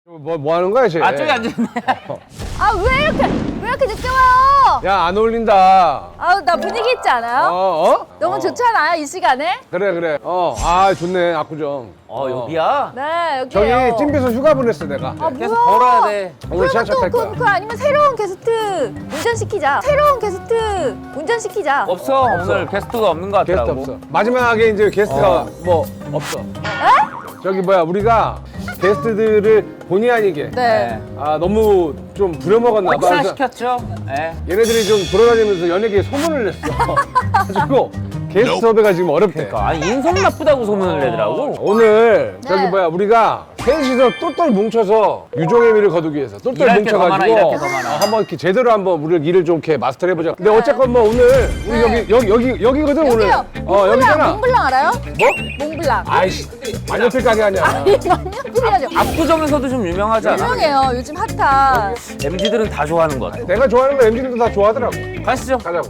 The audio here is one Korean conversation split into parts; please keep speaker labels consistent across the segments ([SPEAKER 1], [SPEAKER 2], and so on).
[SPEAKER 1] 뭐 하는 거야, 쟤?
[SPEAKER 2] 아, 저기 앉아있네.
[SPEAKER 3] 아, 왜 이렇게 늦게 와요?
[SPEAKER 1] 야, 안 어울린다.
[SPEAKER 3] 아우, 나 분위기 있지 않아요? 너무 좋지 않아요, 이 시간에?
[SPEAKER 1] 그래. 아, 좋네, 압구정.
[SPEAKER 2] 여기야?
[SPEAKER 3] 네,
[SPEAKER 1] 저기
[SPEAKER 3] 여기요.
[SPEAKER 1] 찜비서 휴가 보냈어, 내가.
[SPEAKER 3] 아,
[SPEAKER 2] 계속
[SPEAKER 3] 뭐야?
[SPEAKER 2] 걸어야 돼.
[SPEAKER 1] 오늘 지하철 탈 거야.
[SPEAKER 3] 그 아니면 새로운 게스트 운전시키자. 새로운 게스트 운전시키자.
[SPEAKER 2] 없어. 오늘 게스트가 없는 것
[SPEAKER 1] 게스트
[SPEAKER 2] 같더라고.
[SPEAKER 1] 없어. 마지막에 이제 게스트가 뭐 없어. 저기 뭐야, 우리가 게스트들을 본의 아니게
[SPEAKER 3] 네.
[SPEAKER 1] 아, 너무 좀 부려먹었나 봐. 그래서
[SPEAKER 2] 시켰죠? 네.
[SPEAKER 1] 얘네들이 좀 돌아다니면서 연예계에 소문을 냈어. 가지고 게스트 섭외가 지금 어렵대.
[SPEAKER 2] 아니, 인성 나쁘다고 소문을 내더라고.
[SPEAKER 1] 오늘 저기
[SPEAKER 3] 네.
[SPEAKER 1] 뭐야, 우리가 셋이서 똘똘 뭉쳐서 유종의 미를 거두기 위해서 똘똘
[SPEAKER 2] 일할 게더 많아,
[SPEAKER 1] 뭉쳐가지고
[SPEAKER 2] 일할 게더 많아.
[SPEAKER 1] 한번 이렇게 제대로 한번 우리 일을 좀 이렇게 마스터 해보자. 근데 어쨌건 뭐 오늘 우리 여기거든 오늘.
[SPEAKER 3] 여기요.
[SPEAKER 1] 여기잖아.
[SPEAKER 3] 몽블랑 알아요?
[SPEAKER 1] 뭐?
[SPEAKER 3] 몽블랑.
[SPEAKER 1] 아이씨, 만년필 가게 아니야.
[SPEAKER 3] 만년필이라죠.
[SPEAKER 2] 압구정에서도 좀 유명하지 않아?
[SPEAKER 3] 유명해요. 요즘 핫한.
[SPEAKER 2] MZ들은 다 좋아하는 것 같아.
[SPEAKER 1] 내가 좋아하는 거 MZ들도 다 좋아하더라고.
[SPEAKER 2] 가시죠.
[SPEAKER 1] 가자고.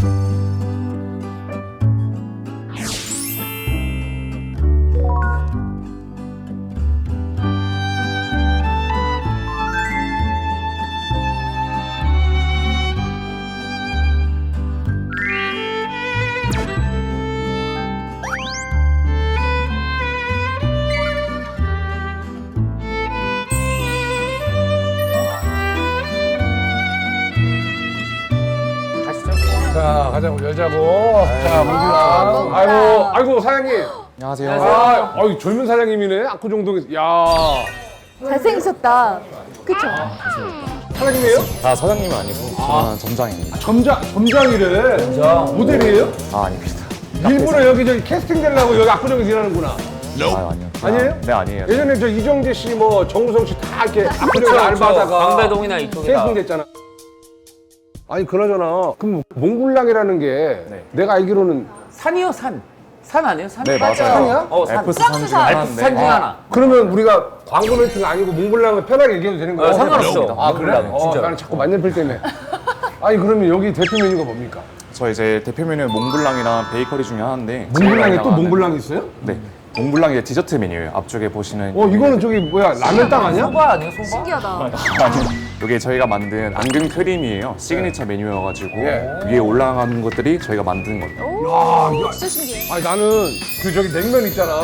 [SPEAKER 2] 가시죠.
[SPEAKER 1] 자, 가자고, 열자고. 자, 몽블랑.
[SPEAKER 3] 몽블랑.
[SPEAKER 1] 아이고, 사장님.
[SPEAKER 4] 안녕하세요.
[SPEAKER 1] 아, 젊은 사장님이네. 압구정동에서. 야,
[SPEAKER 3] 잘생기셨다. 그쵸?
[SPEAKER 1] 사장님이에요?
[SPEAKER 4] 아, 사장님은 아니고 저는 점장입니다.
[SPEAKER 1] 점장이래. 모델이에요?
[SPEAKER 4] 아, 아닙니다.
[SPEAKER 1] 일부러 여기 저기 캐스팅 되려고 여기 압구정에서 일하는구나.
[SPEAKER 4] 아, 아니요.
[SPEAKER 1] 아니에요?
[SPEAKER 4] 네, 아니에요.
[SPEAKER 1] 예전에 저 이정재 씨, 뭐 정우성 씨 다 이렇게 압구정에서 알바하다가
[SPEAKER 2] 강배동이나 이쪽이다.
[SPEAKER 1] 캐스팅 됐잖아. 아니 그나저나 그럼 몽블랑이라는 게 내가 알기로는
[SPEAKER 2] 산이요, 산. 산 아니에요? 산?
[SPEAKER 4] 네, 맞아요.
[SPEAKER 1] 산이야?
[SPEAKER 2] 산.
[SPEAKER 4] 알프스 산 중에
[SPEAKER 3] 프랑스산.
[SPEAKER 2] 알프스 산 중에
[SPEAKER 4] 하나인데
[SPEAKER 2] 하나.
[SPEAKER 1] 그러면 우리가 광고 멘트가 아니고 몽블랑을 편하게 얘기해도 되는 거야?
[SPEAKER 2] 상관없어.
[SPEAKER 1] 아 그래?
[SPEAKER 2] 몽블랑은, 진짜로.
[SPEAKER 1] 나는 자꾸 만년필 때문에. 아니 그러면 여기 대표 메뉴가 뭡니까?
[SPEAKER 4] 저 이제 대표 메뉴는 몽블랑이랑 베이커리 중에 하나인데
[SPEAKER 1] 몽블랑에
[SPEAKER 4] 제가
[SPEAKER 1] 또
[SPEAKER 4] 나가는-
[SPEAKER 1] 몽블랑이 있어요?
[SPEAKER 4] 네. 몽블랑이 디저트 메뉴예요. 앞쪽에 보시는
[SPEAKER 1] 이거는 저기 뭐야 라면 땅 아니야?
[SPEAKER 2] 소바 아니에요, 소바?
[SPEAKER 3] 신기하다.
[SPEAKER 4] 아니요. 이게 저희가 만든 앙금 크림이에요. 시그니처 메뉴여가지고
[SPEAKER 1] 예.
[SPEAKER 4] 위에 올라가는 것들이 저희가 만든 거예요.
[SPEAKER 1] 야,
[SPEAKER 3] 진짜 신기해.
[SPEAKER 1] 아니 나는 그 저기 냉면 있잖아.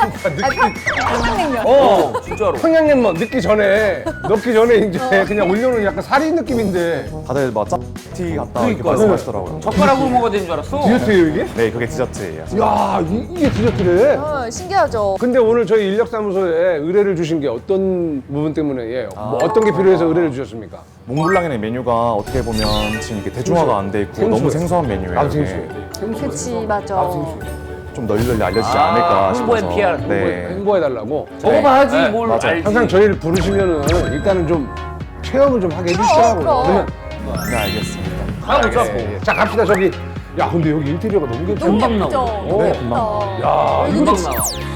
[SPEAKER 3] 평양냉면.
[SPEAKER 2] 진짜로.
[SPEAKER 1] 평양냉면 넣기 전에 이제 그냥 올려놓은 약간 살인 느낌인데
[SPEAKER 4] 다들 막 짭티 같다 이렇게
[SPEAKER 1] 그러니까.
[SPEAKER 4] 말씀하시더라고요.
[SPEAKER 2] 젓가락으로 먹어야 되는 줄 알았어.
[SPEAKER 1] 디저트예요 이게?
[SPEAKER 4] 네, 그게 디저트예요.
[SPEAKER 1] 야, 이게 디저트래.
[SPEAKER 3] 신기하죠.
[SPEAKER 1] 근데 오늘 저희 인력사무소에 의뢰를 주신 게 어떤 부분 때문에 뭐 어떤 게 필요해서 의뢰를 주셨습니까?
[SPEAKER 4] 몽블랑이라는 메뉴가 어떻게 보면 지금 이게 대중화가 안 돼 있고
[SPEAKER 1] 생소해.
[SPEAKER 4] 너무 생소한 메뉴예요.
[SPEAKER 1] 나도
[SPEAKER 4] 이게.
[SPEAKER 1] 생수해.
[SPEAKER 3] 그치, 맞아.
[SPEAKER 4] 좀 널리 알려지지 않을까
[SPEAKER 2] 홍보에
[SPEAKER 4] 싶어서.
[SPEAKER 2] PR,
[SPEAKER 4] 네.
[SPEAKER 1] 홍보해달라고.
[SPEAKER 2] 먹어봐야지,
[SPEAKER 4] 네,
[SPEAKER 2] 뭘
[SPEAKER 4] 맞아.
[SPEAKER 2] 알지.
[SPEAKER 1] 항상 저희를 부르시면은 일단은 좀 체험을 좀 하게 해주시라고.
[SPEAKER 3] 그럼.
[SPEAKER 4] 네, 알겠습니다.
[SPEAKER 2] 가보자, 뭐.
[SPEAKER 1] 예. 자, 갑시다. 저기. 야, 근데 여기 인테리어가 너무 괜찮아.
[SPEAKER 2] 금방
[SPEAKER 3] 예쁘죠?
[SPEAKER 2] 나오네.
[SPEAKER 3] 너무
[SPEAKER 4] 네,
[SPEAKER 3] 예쁘다.
[SPEAKER 4] 금방
[SPEAKER 1] 야,
[SPEAKER 2] 금방 나와.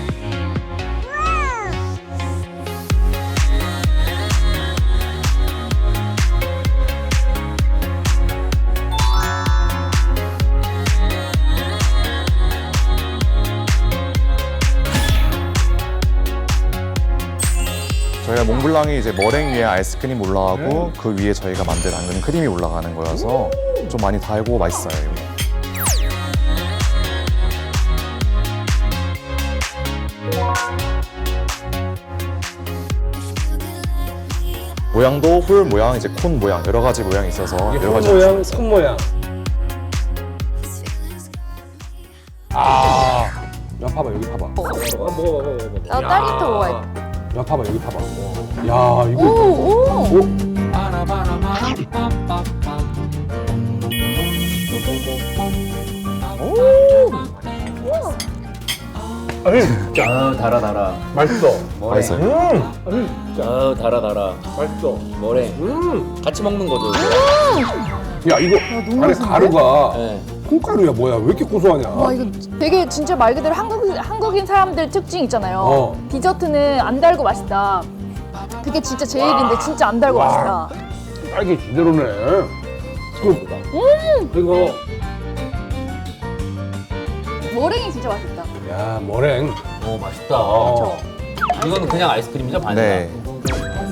[SPEAKER 4] 저희가 몽블랑이 이제 머랭 위에 아이스크림 올라가고 그 위에 저희가 만든 앙금 크림이 올라가는 거여서 좀 많이 달고 맛있어요. 이거. 모양도 홀 모양, 이제 콘 모양 여러 가지 모양이 있어서 여러 가지
[SPEAKER 1] 모양, 손 모양. 아, 야 봐봐 여기 봐봐. 먹어.
[SPEAKER 3] 나 딸기부터 먹어야
[SPEAKER 1] 야 봐봐 여기 봐봐. 야 이거.
[SPEAKER 3] 오, 오.
[SPEAKER 1] 오.
[SPEAKER 2] 달아.
[SPEAKER 1] 맛있어.
[SPEAKER 4] 맛있어요.
[SPEAKER 2] 달아.
[SPEAKER 1] 맛있어.
[SPEAKER 2] 뭐래? 같이 먹는 거죠.
[SPEAKER 1] 야 이거
[SPEAKER 3] 너무
[SPEAKER 1] 안에
[SPEAKER 3] 맛있는데?
[SPEAKER 1] 가루가
[SPEAKER 2] 네.
[SPEAKER 1] 콩가루야 뭐야? 왜 이렇게 고소하냐?
[SPEAKER 3] 와, 이거 되게 진짜 말 그대로 한국인 사람들 특징 있잖아요. 디저트는 안 달고 맛있다. 그게 진짜 제 일인데 진짜 안 달고 맛있다.
[SPEAKER 1] 딸기 제대로네. 이거
[SPEAKER 3] 머랭이 진짜 맛있다.
[SPEAKER 1] 야 머랭.
[SPEAKER 2] 오, 맛있다.
[SPEAKER 3] 그렇죠.
[SPEAKER 2] 이거는 그냥 아이스크림이죠, 반이나?
[SPEAKER 4] 네.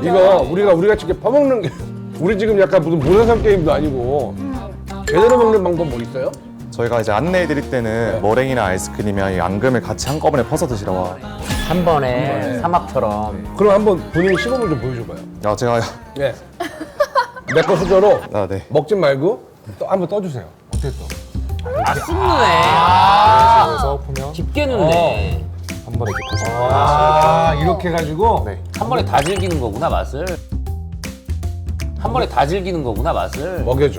[SPEAKER 1] 이거 우리가 직접 퍼먹는 게 우리 지금 약간 무슨 문화상 게임도 아니고 제대로 먹는 방법 뭐 있어요?
[SPEAKER 4] 저희가 이제 안내해 드릴 때는 머랭이나 아이스크림이랑 이 앙금을 같이 한꺼번에 퍼서 드시라고.
[SPEAKER 2] 한 번에 사막처럼.
[SPEAKER 1] 그럼 한번 본인 시범을 좀 보여줘봐요.
[SPEAKER 4] 야, 제가
[SPEAKER 1] 예. 내 거 수저로
[SPEAKER 4] 아, 네.
[SPEAKER 1] 먹지 말고 또 한번 떠주세요. 어때 또?
[SPEAKER 2] 아, 쑥 누네.
[SPEAKER 4] 그래서 보면
[SPEAKER 2] 깊게 누네.
[SPEAKER 4] 한 번에 이렇게 퍼서.
[SPEAKER 1] 아, 이렇게 해가지고?
[SPEAKER 4] 네.
[SPEAKER 2] 한 번에 다 즐기는 거구나, 맛을. 한 번에 다 즐기는 거구나, 맛을.
[SPEAKER 1] 먹여줘.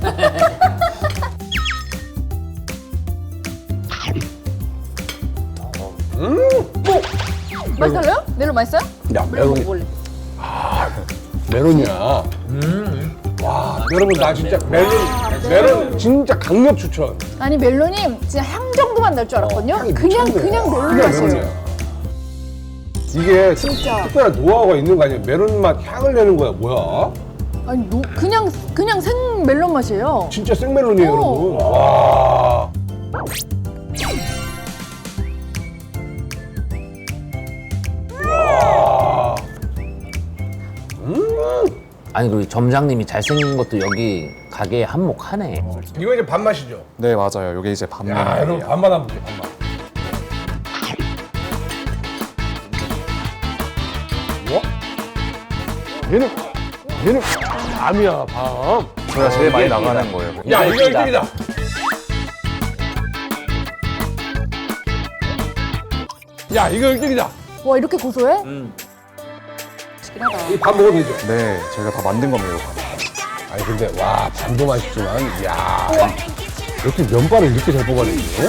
[SPEAKER 3] 맛있어요? 멜론 맛있어요?
[SPEAKER 1] 야,
[SPEAKER 3] 멜론
[SPEAKER 1] 메론이.
[SPEAKER 3] 먹어볼래.
[SPEAKER 1] 메론이야. 와, 여러분, 나 진짜 메론 진짜 강력 추천.
[SPEAKER 3] 아니 멜론이 진짜 향 정도만 날 줄 알았거든요.
[SPEAKER 1] 향이
[SPEAKER 3] 그냥
[SPEAKER 1] 미쳤네.
[SPEAKER 3] 멜론
[SPEAKER 1] 그냥
[SPEAKER 3] 맛이에요.
[SPEAKER 1] 메론이야. 이게
[SPEAKER 3] 진짜.
[SPEAKER 1] 특별한 노하우가 있는 거 아니야? 메론 맛 향을 내는 거야, 뭐야?
[SPEAKER 3] 아니 그냥 생 멜론 맛이에요.
[SPEAKER 1] 진짜 생멜론이에요,
[SPEAKER 3] 오.
[SPEAKER 1] 여러분. 와. 와.
[SPEAKER 2] 아니, 그리고 점장님이 잘생긴 것도 여기 가게에 한몫하네.
[SPEAKER 1] 이거 이제 밥맛이죠?
[SPEAKER 4] 네, 맞아요. 이게 이제
[SPEAKER 1] 야,
[SPEAKER 4] 밥맛이에요.
[SPEAKER 1] 여러분, 밥맛 한번 보세요, 밥맛. 뭐? 얘는 밤이야, 밤.
[SPEAKER 4] 저희가 제일 많이 나가는 거예요.
[SPEAKER 1] 야, 이거
[SPEAKER 2] 일등이다.
[SPEAKER 1] 1등이다. 야, 이거 1등이다.
[SPEAKER 3] 와 이렇게 고소해? 맛있긴 하다.
[SPEAKER 1] 이 밥 먹어도 되죠?
[SPEAKER 4] 네, 저희가 다 만든 겁니다. 이거.
[SPEAKER 1] 아니, 근데, 와, 밥도 맛있지만, 야 이렇게 면발을 이렇게 잘 뽑아내지?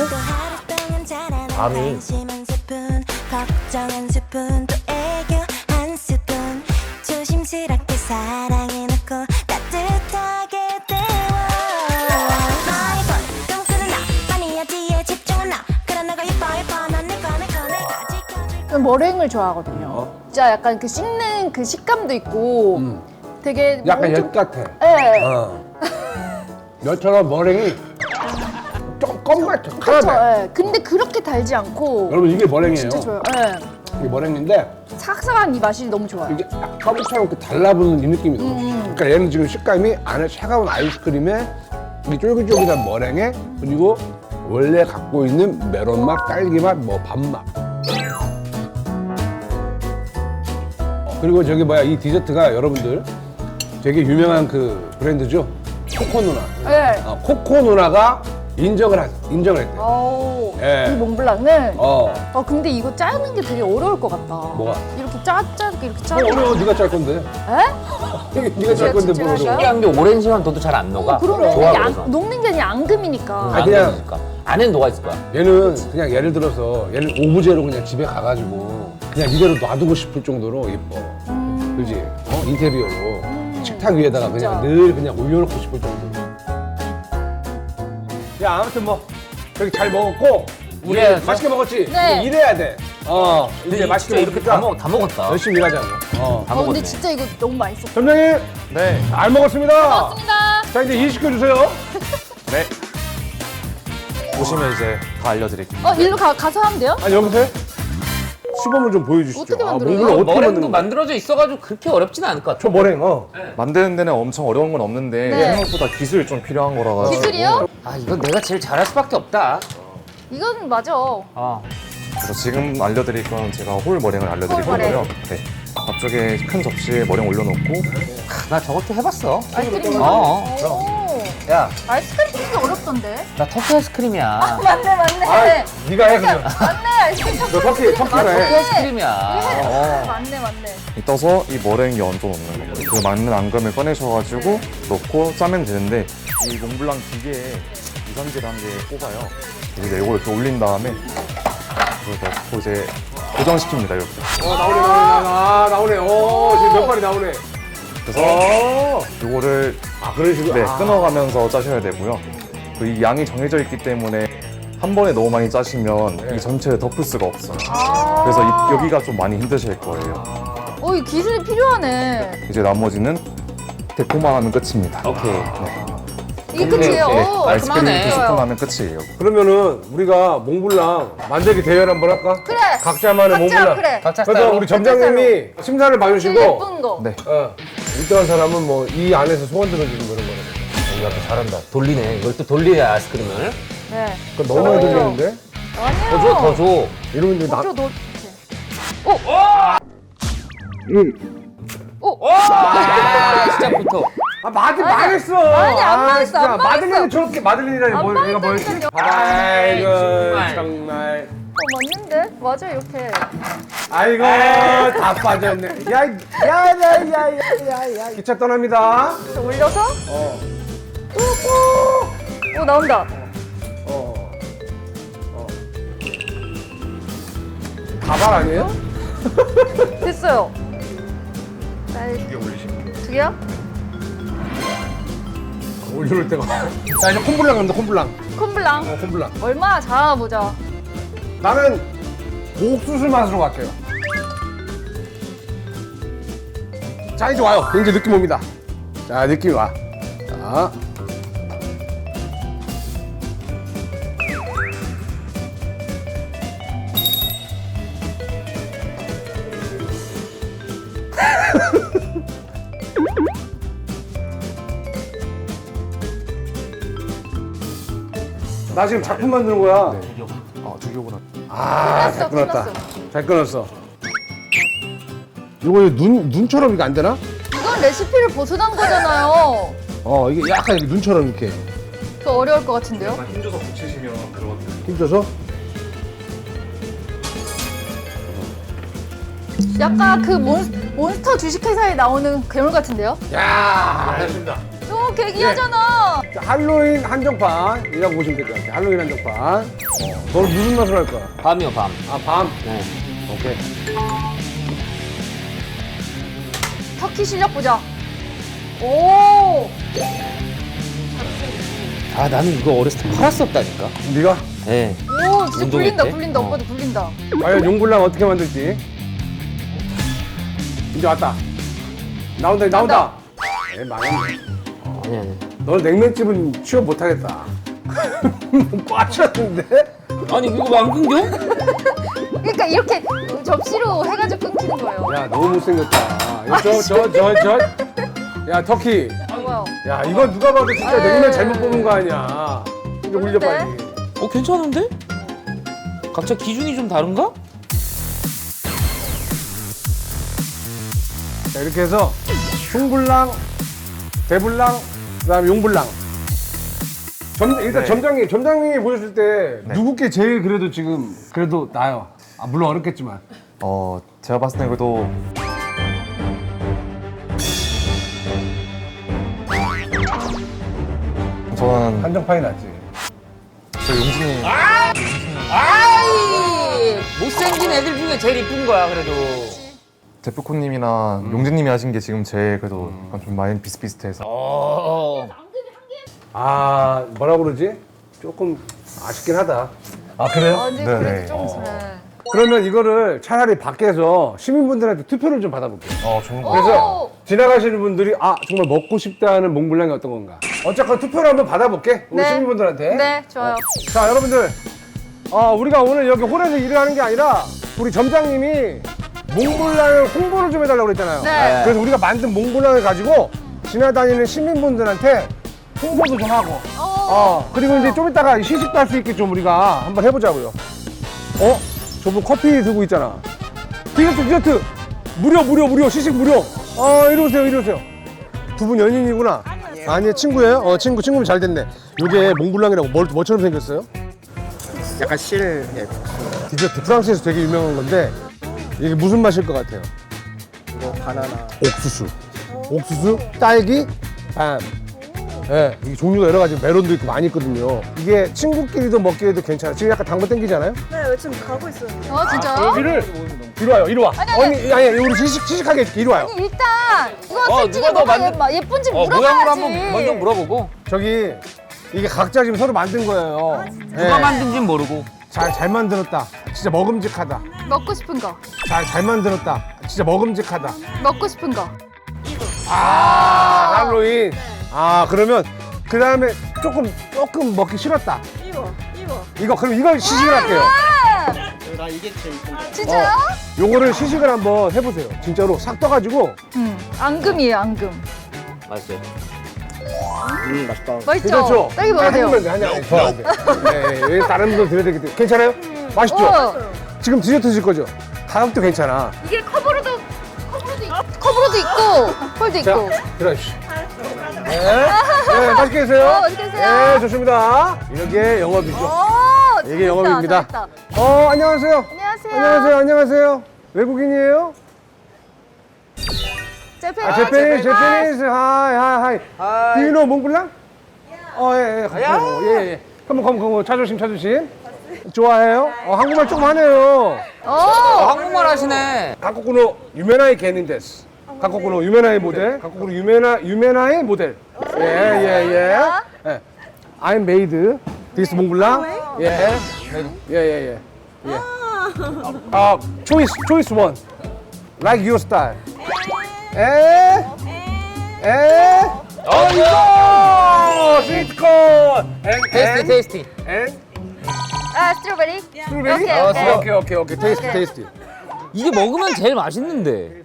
[SPEAKER 2] 밤이.
[SPEAKER 5] 걱정한 스푼 또 애교 한 스푼 조심스럽게 사랑해놓고 따뜻하게 데워 많이 좀 끄는 나 많이 하지에 집중한 나 그런 너가 예뻐 넌 내거 내가 지켜줄
[SPEAKER 3] 저는 머랭을 좋아하거든요. 진짜 약간 그 씹는 그 식감도 있고 되게
[SPEAKER 1] 약간
[SPEAKER 3] 엄청-
[SPEAKER 1] 엿 같아.
[SPEAKER 3] 네.
[SPEAKER 1] 엿처럼 머랭이 좀 껌 같아.
[SPEAKER 3] 그렇죠.
[SPEAKER 1] 카라멜.
[SPEAKER 3] 예. 근데 그렇게 달지 않고
[SPEAKER 1] 여러분, 이게 머랭이에요.
[SPEAKER 3] 진짜 좋아요. 예.
[SPEAKER 1] 이게 머랭인데,
[SPEAKER 3] 삭삭한 이 맛이 너무 좋아요.
[SPEAKER 1] 이게 허브처럼 이렇게 달라붙는 이 느낌이 너무 좋아. 그러니까 얘는 지금 식감이 안에 차가운 아이스크림에 이 쫄깃쫄깃한 머랭에 그리고 원래 갖고 있는 메론 맛, 딸기 맛, 뭐 밥맛. 그리고 저기 뭐야 이 디저트가 여러분들 되게 유명한 그 브랜드죠. 코코 누나.
[SPEAKER 3] 네.
[SPEAKER 1] 코코 누나가 인정을 했대.
[SPEAKER 3] 오,
[SPEAKER 1] 예.
[SPEAKER 3] 이 몽블랑은
[SPEAKER 1] 어.
[SPEAKER 3] 근데 이거 짜는 게 되게 어려울 것 같다.
[SPEAKER 1] 뭐가?
[SPEAKER 3] 이렇게 짜게 이렇게
[SPEAKER 1] 뭐
[SPEAKER 3] 짜는
[SPEAKER 1] 어려워. 네가 짤 건데.
[SPEAKER 3] 에?
[SPEAKER 1] 네가 짤 건데
[SPEAKER 3] 진짜
[SPEAKER 1] 뭐 어려워.
[SPEAKER 2] 신기한 게 오렌지만 둬도 잘 안 녹아.
[SPEAKER 3] 그러면
[SPEAKER 2] 좋아,
[SPEAKER 3] 이게
[SPEAKER 2] 그래서.
[SPEAKER 3] 녹는 게 아니라 앙금이니까.
[SPEAKER 1] 아, 그냥-
[SPEAKER 2] 그냥 안에는 녹아 있을 거야.
[SPEAKER 1] 얘는 그냥 예를 들어서 얘는 오브제로 그냥 집에 가가지고 그냥 이대로 놔두고 싶을 정도로 예뻐. 그지? 인테리어로 식탁 위에다가 그냥
[SPEAKER 3] 진짜.
[SPEAKER 1] 늘 그냥 올려놓고 싶을 정도로. 야, 아무튼 뭐 그렇게 잘 먹었고 우리
[SPEAKER 2] 이래야죠.
[SPEAKER 1] 맛있게 먹었지?
[SPEAKER 3] 네.
[SPEAKER 1] 이제 일해야 돼. 이제 맛있게
[SPEAKER 2] 이렇게
[SPEAKER 1] 먹으니까
[SPEAKER 2] 다 먹었다.
[SPEAKER 1] 열심히 일하자고.
[SPEAKER 2] 다
[SPEAKER 3] 근데
[SPEAKER 2] 먹었네.
[SPEAKER 3] 진짜 이거 너무 맛있어.
[SPEAKER 1] 점장님
[SPEAKER 4] 네,
[SPEAKER 1] 잘 먹었습니다.
[SPEAKER 3] 고맙습니다.
[SPEAKER 1] 자, 이제 일 시켜주세요.
[SPEAKER 4] 네. 보시면 이제 다 알려드릴게요.
[SPEAKER 3] 일로 가서 하면 돼요?
[SPEAKER 1] 아니, 여기서 해? 시범을 좀 보여주시죠.
[SPEAKER 3] 어떻게 만들어요?
[SPEAKER 1] 몽블랑 어떻게
[SPEAKER 2] 머랭도
[SPEAKER 1] 만드는 거야?
[SPEAKER 2] 만들어져 있어가지고 그렇게 어렵지는 않을 것 같아.
[SPEAKER 1] 저 머랭,
[SPEAKER 4] 만드는 데는 엄청 어려운 건 없는데
[SPEAKER 3] 네.
[SPEAKER 4] 생각보다 기술이 좀 필요한 거라 가지고.
[SPEAKER 3] 기술이요?
[SPEAKER 2] 아, 이건 내가 제일 잘할 수밖에 없다.
[SPEAKER 3] 이건 맞아.
[SPEAKER 4] 그래서 지금 알려드릴 건 제가 홀 머랭을 알려드릴
[SPEAKER 3] 홀 머랭.
[SPEAKER 4] 거고요. 네. 앞쪽에 큰 접시에 머랭 올려놓고
[SPEAKER 2] 나 저것도 해봤어.
[SPEAKER 3] 아이스크림.
[SPEAKER 2] 그럼. 야,
[SPEAKER 3] 아이스크림 되게 어렵던데.
[SPEAKER 2] 나 터키 아이스크림이야.
[SPEAKER 3] 맞네.
[SPEAKER 1] 네가 해, 그냥.
[SPEAKER 3] 맞네. 아이스크림
[SPEAKER 1] 너 터키네.
[SPEAKER 2] 터키
[SPEAKER 3] 맞네.
[SPEAKER 2] 아이스크림이야.
[SPEAKER 3] 맞네.
[SPEAKER 4] 떠서 이 머랭 위에 얹어 놓는 거예요. 그 맞는 앙금을 꺼내셔가지고 넣고 짜면 되는데 이 몽블랑 기계에 유산질 한 개 꼽아요. 이제 이걸 이렇게 올린 다음에 이걸 넣고 이제 고정시킵니다. 이렇게.
[SPEAKER 1] 나오네. 지금 몇 발이 나오네.
[SPEAKER 4] 그래서 이거를
[SPEAKER 1] 그런 식으로?
[SPEAKER 4] 네, 끊어가면서 짜셔야 되고요. 또 이 양이 정해져 있기 때문에 한 번에 너무 많이 짜시면 이 전체를 덮을 수가 없어요. 그래서 여기가 좀 많이 힘드실 거예요.
[SPEAKER 3] 이 기술이 필요하네.
[SPEAKER 4] 이제 나머지는 데코만 하면 끝입니다.
[SPEAKER 2] 오케이.
[SPEAKER 3] 이게 끝이에요.
[SPEAKER 2] 네.
[SPEAKER 3] 오,
[SPEAKER 4] 아이스크림
[SPEAKER 2] 깔끔하네.
[SPEAKER 4] 2스푼 하면 끝이에요.
[SPEAKER 1] 그러면은 우리가 몽블랑 만들기 대회를 한번 할까?
[SPEAKER 3] 그래.
[SPEAKER 1] 각자만의
[SPEAKER 3] 각자,
[SPEAKER 1] 몽블랑.
[SPEAKER 3] 그래.
[SPEAKER 2] 각자
[SPEAKER 1] 그래서
[SPEAKER 2] 스타일로.
[SPEAKER 1] 우리 점장님이 심사를
[SPEAKER 3] 제일
[SPEAKER 1] 봐주시고
[SPEAKER 3] 예쁜 거.
[SPEAKER 4] 네.
[SPEAKER 1] 1등한 사람은 뭐 이 안에서 소원 들어주는 거는 거라고.
[SPEAKER 2] 야, 또 잘한다. 돌리네. 이걸 또 돌려야 아이스크림을.
[SPEAKER 3] 네.
[SPEAKER 1] 그건 너무 많이 들리는데?
[SPEAKER 3] 아니요.
[SPEAKER 2] 더 줘, 더 줘.
[SPEAKER 1] 이러면 이제
[SPEAKER 3] 더 줘, 너.
[SPEAKER 2] 시작부터.
[SPEAKER 1] 망했어.
[SPEAKER 3] 아니, 안 망했어,
[SPEAKER 1] 진짜.
[SPEAKER 3] 안 망했어.
[SPEAKER 1] 마들렌이 저렇게 마들렌이라니
[SPEAKER 3] 안
[SPEAKER 1] 뭐 얘가 뭐였지?
[SPEAKER 3] 망했다니까요.
[SPEAKER 1] 아이고
[SPEAKER 2] 정말.
[SPEAKER 1] 정말.
[SPEAKER 3] 맞는데? 맞아, 이렇게.
[SPEAKER 1] 아이고 다 빠졌네. 야야야야야야. 기차 떠납니다.
[SPEAKER 3] 이렇게 올려서.
[SPEAKER 1] 어.
[SPEAKER 3] 오, 나온다.
[SPEAKER 1] 어. 가발 아니에요?
[SPEAKER 3] 됐어요. 두개 올리시면. 두 개요?
[SPEAKER 1] 올려올 때가. 자 이제 콤블랑 갑니다. 콤블랑.
[SPEAKER 3] 콤블랑.
[SPEAKER 1] 콤블랑.
[SPEAKER 3] 얼마나 잘하나 보자.
[SPEAKER 1] 나는 옥수수 맛으로 갈게요. 자 이제 와요. 이제 느낌 옵니다. 자 느낌 와. 자. 나 지금 작품 만드는 거야.
[SPEAKER 4] 두 개구나.
[SPEAKER 1] 아, 잘
[SPEAKER 3] 끝났어,
[SPEAKER 1] 끊었다.
[SPEAKER 3] 끝났어.
[SPEAKER 1] 잘 끊었어. 이거 눈처럼 이거 안 되나?
[SPEAKER 3] 이건 레시피를 벗어난 거잖아요.
[SPEAKER 1] 이게 약간 이렇게 눈처럼 이렇게
[SPEAKER 3] 그 어려울 것 같은데요?
[SPEAKER 4] 힘줘서 붙이시면 들어가요.
[SPEAKER 1] 힘줘서.
[SPEAKER 3] 약간 그 몬스터 주식회사에 나오는 괴물 같은데요?
[SPEAKER 1] 야, 알겠습니다.
[SPEAKER 3] 너무 개기하잖아.
[SPEAKER 1] 자, 할로윈 한정판이라고 보시면 될 것 같아요. 할로윈 한정판. 너는 무슨 맛으로 할 거야?
[SPEAKER 2] 밤이요, 밤.
[SPEAKER 1] 아, 밤.
[SPEAKER 2] 네.
[SPEAKER 1] 오케이.
[SPEAKER 3] 터키 실력 보자. 오!
[SPEAKER 2] 아, 나는 이거 어렸을 때 팔았었다니까.
[SPEAKER 1] 네가
[SPEAKER 2] 네.
[SPEAKER 3] 오, 진짜
[SPEAKER 2] 운동회
[SPEAKER 3] 굴린다,
[SPEAKER 2] 때?
[SPEAKER 3] 굴린다. 오빠도 굴린다.
[SPEAKER 1] 과연 용불랑 어떻게 만들지? 이제 왔다. 나온다. 에 망했네.
[SPEAKER 2] 아니.
[SPEAKER 1] 너는 냉면집은 취업 못하겠다. 꽈쳤는데?
[SPEAKER 2] 아니, 이거 왜 안 끊겨?
[SPEAKER 3] 그러니까 이렇게 접시로 해가지고 끊기는 거예요.
[SPEAKER 1] 야, 너무 못생겼다. 야, 터키.
[SPEAKER 3] 뭐야?
[SPEAKER 1] 야, 이거 누가 봐도 진짜
[SPEAKER 3] 에이.
[SPEAKER 1] 냉면 잘못 뽑은 거 아니야. 이제 올려 빨리.
[SPEAKER 2] 괜찮은데? 각자 기준이 좀 다른가?
[SPEAKER 1] 자, 이렇게 해서 흉불랑, 대불랑, 그다음에 용불랑. 일단
[SPEAKER 4] 네.
[SPEAKER 1] 점장님이 보셨을 때 누구께 제일 그래도 나요. 아, 물론 어렵겠지만.
[SPEAKER 4] 제가 봤을 때 그래도 저는
[SPEAKER 1] 한정판이 낫지.
[SPEAKER 4] 저 용진이
[SPEAKER 2] 아이! 못생긴 애들 중에 제일 이쁜 거야, 그래도.
[SPEAKER 4] 제프코님이나 용진님이 하신 게 지금 제일 그래도 약간 좀 많이 비슷비슷해서
[SPEAKER 1] 아, 뭐라 그러지? 조금 아쉽긴 하다. 아, 그래요?
[SPEAKER 3] 아, 근데
[SPEAKER 4] 네네.
[SPEAKER 3] 그래도 좀 그래.
[SPEAKER 1] 그러면 이거를 차라리 밖에서 시민분들한테 투표를 좀 받아볼게요.
[SPEAKER 4] 좋은 거
[SPEAKER 1] 그래서 지나가시는 분들이 정말 먹고 싶다 하는 몽블랑이 어떤 건가? 어쨌건 투표를 한번 받아볼게. 우리
[SPEAKER 3] 네.
[SPEAKER 1] 시민분들한테.
[SPEAKER 3] 네, 좋아요.
[SPEAKER 1] 자, 여러분들. 우리가 오늘 여기 홀에서 일을 하는 게 아니라 우리 점장님이 몽블랑을 홍보를 좀 해달라고 그랬잖아요.
[SPEAKER 3] 네.
[SPEAKER 1] 그래서 우리가 만든 몽블랑을 가지고 지나다니는 시민분들한테 홍보도 좀 하고. 그리고 이제 좀 이따가 시식도 할 수 있게 좀 우리가 한번 해보자고요. 저분 커피 들고 있잖아. 디저트. 무료. 시식 무료. 이리 오세요. 두 분 연인이구나. 아니, 친구예요? 친구면 잘 됐네. 요게 몽블랑이라고 뭐처럼 생겼어요?
[SPEAKER 6] 약간 실,
[SPEAKER 1] 디저트. 프랑스에서 되게 유명한 건데 이게 무슨 맛일 것 같아요?
[SPEAKER 6] 이거 바나나.
[SPEAKER 1] 옥수수, 딸기, 밤. 예, 이게 종류가 여러 가지 메론도 있고 많이 있거든요. 이게 친구끼리도 먹기에도 괜찮아. 지금 약간 당근 땡기잖아요?
[SPEAKER 6] 네, 지금 가고 있어요.
[SPEAKER 3] 진짜요?
[SPEAKER 1] 여기를 이리 와요. 이리 와.
[SPEAKER 3] 아니.
[SPEAKER 1] 아니, 우리 시식하게 해줄게. 이리 와요.
[SPEAKER 3] 아니, 일단 이거 솔직히
[SPEAKER 2] 누가 더
[SPEAKER 3] 뭐가 예쁜지 물어봐야지.
[SPEAKER 2] 모양으로 한번 먼저 물어보고.
[SPEAKER 1] 저기 이게 각자 지금 서로 만든 거예요.
[SPEAKER 2] 누가 만든진 모르고.
[SPEAKER 1] 잘 만들었다. 진짜 먹음직하다.
[SPEAKER 3] 먹고 싶은 거.
[SPEAKER 1] 잘 만들었다. 진짜 먹음직하다.
[SPEAKER 3] 먹고 싶은 거.
[SPEAKER 1] 할로윈. 그러면 그 다음에 조금 먹기 싫었다.
[SPEAKER 6] 이거.
[SPEAKER 1] 이거 그럼 이걸 시식을 할게요.
[SPEAKER 6] 나 이게 제일 이쁜데.
[SPEAKER 3] 진짜요?
[SPEAKER 1] 요거를 시식을 한번 해보세요. 진짜로 싹 떠가지고.
[SPEAKER 3] 앙금이에요, 앙금.
[SPEAKER 2] 맛있어요.
[SPEAKER 6] 맛있다.
[SPEAKER 3] 맛있죠?
[SPEAKER 1] 괜찮죠?
[SPEAKER 3] 딸기 먹어도 돼요.
[SPEAKER 1] 한잔 더. 네, 다른 분도 드려야 되기 때문에. 괜찮아요? 맛있죠?
[SPEAKER 3] 어,
[SPEAKER 1] 지금 디저트 드실 거죠? 가격도 괜찮아.
[SPEAKER 3] 이게 커브로도 있고, 펄도
[SPEAKER 1] 자,
[SPEAKER 3] 있고.
[SPEAKER 1] 들어주시오. 네, 맛있게 드세요.
[SPEAKER 3] 맛있게 드세요.
[SPEAKER 1] 네, 좋습니다. 이게 영업이죠.
[SPEAKER 3] 오,
[SPEAKER 1] 이게
[SPEAKER 3] 잘했다,
[SPEAKER 1] 영업입니다.
[SPEAKER 3] 잘했다.
[SPEAKER 1] 안녕하세요.
[SPEAKER 3] 안녕하세요.
[SPEAKER 1] 안녕하세요. 외국인이에요? 제페니스. 하이. Do you know 몽블랑? 예. 컴온. 차조심. 좋아해요? 모델 조금 하네요.
[SPEAKER 3] 오,
[SPEAKER 2] 한국말 하시네.
[SPEAKER 1] 한국으로 유메나이 개닌데스. 한국으로 유메나이 모델. 한국으로 유메나이 모델. 예. I'm made this 몽블랑. 예. choice one. Like your style. 이거! 스위트콘!
[SPEAKER 2] 테이스티.
[SPEAKER 3] 스트로베리?
[SPEAKER 1] 스트로베리? 오케이. 테이스티.
[SPEAKER 2] 이게 먹으면 제일 맛있는데.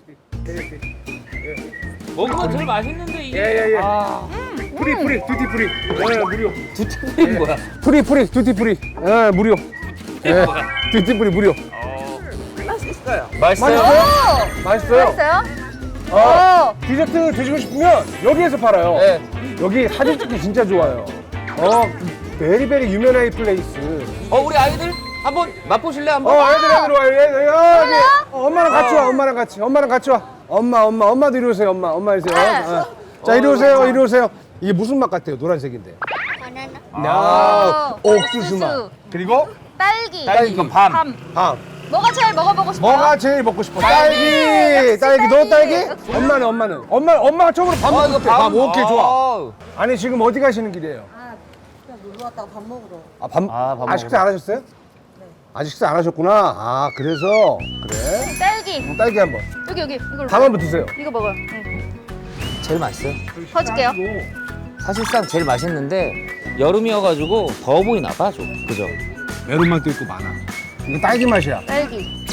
[SPEAKER 2] 먹으면 제일 맛있는데 이게.
[SPEAKER 1] 예.
[SPEAKER 2] 아,
[SPEAKER 1] 프리, 듀티프리. 무료.
[SPEAKER 2] 두티프리 뭐야?
[SPEAKER 1] 프리, 듀티프리. 무료. 듀티프리 무료.
[SPEAKER 2] 맛있어요.
[SPEAKER 1] 맛있어요?
[SPEAKER 3] 맛있어요?
[SPEAKER 1] 디저트 드시고 싶으면 여기에서 팔아요.
[SPEAKER 2] 네.
[SPEAKER 1] 여기 사진 찍기 진짜 좋아요. 베리베리 유메나이 플레이스.
[SPEAKER 2] 우리 아이들 한번 맛보실래 한번?
[SPEAKER 1] 애들 와. 여기. 엄마랑 같이 와. 엄마도 이리 오세요. 엄마 이리 오세요. 자, 이리 오세요. 이게 무슨 맛 같아요? 노란색인데.
[SPEAKER 3] 바나나.
[SPEAKER 1] 옥수수 맛. 그리고
[SPEAKER 3] 딸기.
[SPEAKER 2] 이건 밤.
[SPEAKER 1] 밤.
[SPEAKER 3] 뭐가 제일 먹어보고 싶어요?
[SPEAKER 1] 뭐가 제일 먹고 싶어? 딸기. 너 딸기? 엄마는? 엄마가 처음으로 밥 먹고 싶대. 밥. 오케이, 좋아. 아니, 지금 어디 가시는 길이에요?
[SPEAKER 7] 놀러 왔다가 밥 먹으러.
[SPEAKER 1] 밥
[SPEAKER 2] 먹으러.
[SPEAKER 1] 식사 안 하셨어요? 네. 아직 식사 안 하셨구나. 그래서 그래.
[SPEAKER 3] 딸기.
[SPEAKER 1] 딸기 한번.
[SPEAKER 3] 여기 이걸로.
[SPEAKER 1] 밥 한번 드세요.
[SPEAKER 3] 이거 먹어요.
[SPEAKER 2] 제일 맛있어요.
[SPEAKER 3] 퍼줄게요.
[SPEAKER 2] 사실상 제일 맛있는데 여름이어가지고 더워 보이나 봐 좀. 그죠?
[SPEAKER 1] 메론맛도 있고 많아. 이거 딸기 맛이야.
[SPEAKER 3] 딸기.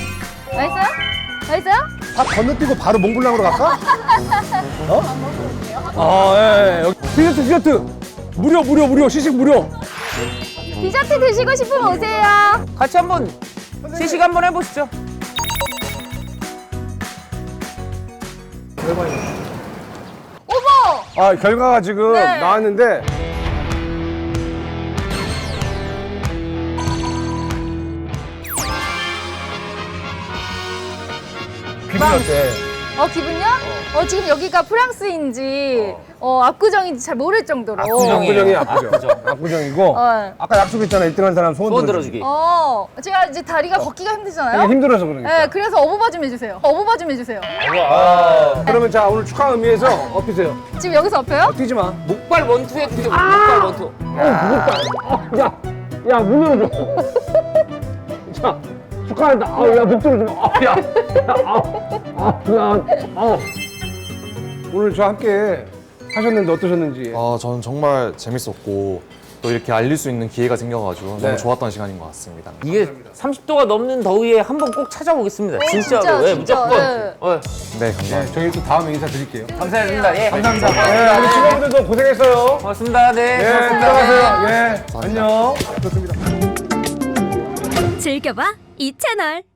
[SPEAKER 3] 맛있어요?
[SPEAKER 1] 밥 건너뛰고 바로 몽블랑으로 갈까? 예. 여기 디저트. 무료. 시식 무료.
[SPEAKER 3] 디저트 드시고 싶으면 오세요.
[SPEAKER 2] 같이 한번 시식 한번 해보시죠.
[SPEAKER 3] 어머!
[SPEAKER 1] 결과가 지금
[SPEAKER 3] 네.
[SPEAKER 1] 나왔는데 기분 어때?
[SPEAKER 3] 기분요? 지금 여기가 프랑스인지 압구정인지 잘 모를 정도로.
[SPEAKER 1] 압구정이
[SPEAKER 2] 압구정.
[SPEAKER 1] 압구정이고 아까 약속했잖아 1등한 사람
[SPEAKER 2] 소원 들어주기.
[SPEAKER 3] 제가 이제 다리가 걷기가 힘들잖아요.
[SPEAKER 1] 이게 힘들어서 그러니까.
[SPEAKER 3] 네, 그래서 어부바 좀 해주세요.
[SPEAKER 1] 그러면 자 오늘 축하 의미에서 엎으세요.
[SPEAKER 3] 지금 여기서 엎혀요?
[SPEAKER 1] 뛰지 마.
[SPEAKER 2] 목발 원투에 뛰죠. 목발 원투.
[SPEAKER 1] 야, 문 열어줘. 자, 축하한다. 야, 목소리 좀. 오늘 저와 함께 하셨는데 어떠셨는지.
[SPEAKER 4] 저는 정말 재밌었고 또 이렇게 알릴 수 있는 기회가 생겨가지고
[SPEAKER 1] 네.
[SPEAKER 4] 너무 좋았던 시간인 것 같습니다.
[SPEAKER 2] 이게 30도가 넘는 더위에 한번 꼭 찾아보겠습니다. 진짜로. 네,
[SPEAKER 3] 진짜.
[SPEAKER 2] 무조건.
[SPEAKER 4] 네, 감사합니다.
[SPEAKER 1] 저희 또 다음에 인사드릴게요.
[SPEAKER 2] 감사합니다. 예.
[SPEAKER 1] 감사합니다. 네, 우리 직원분들도 고생했어요.
[SPEAKER 2] 고맙습니다. 네.
[SPEAKER 1] 네,
[SPEAKER 2] 고맙습니다.
[SPEAKER 1] 들어가세요. 예, 안녕. 좋습니다.
[SPEAKER 8] 즐겨봐 이 채널.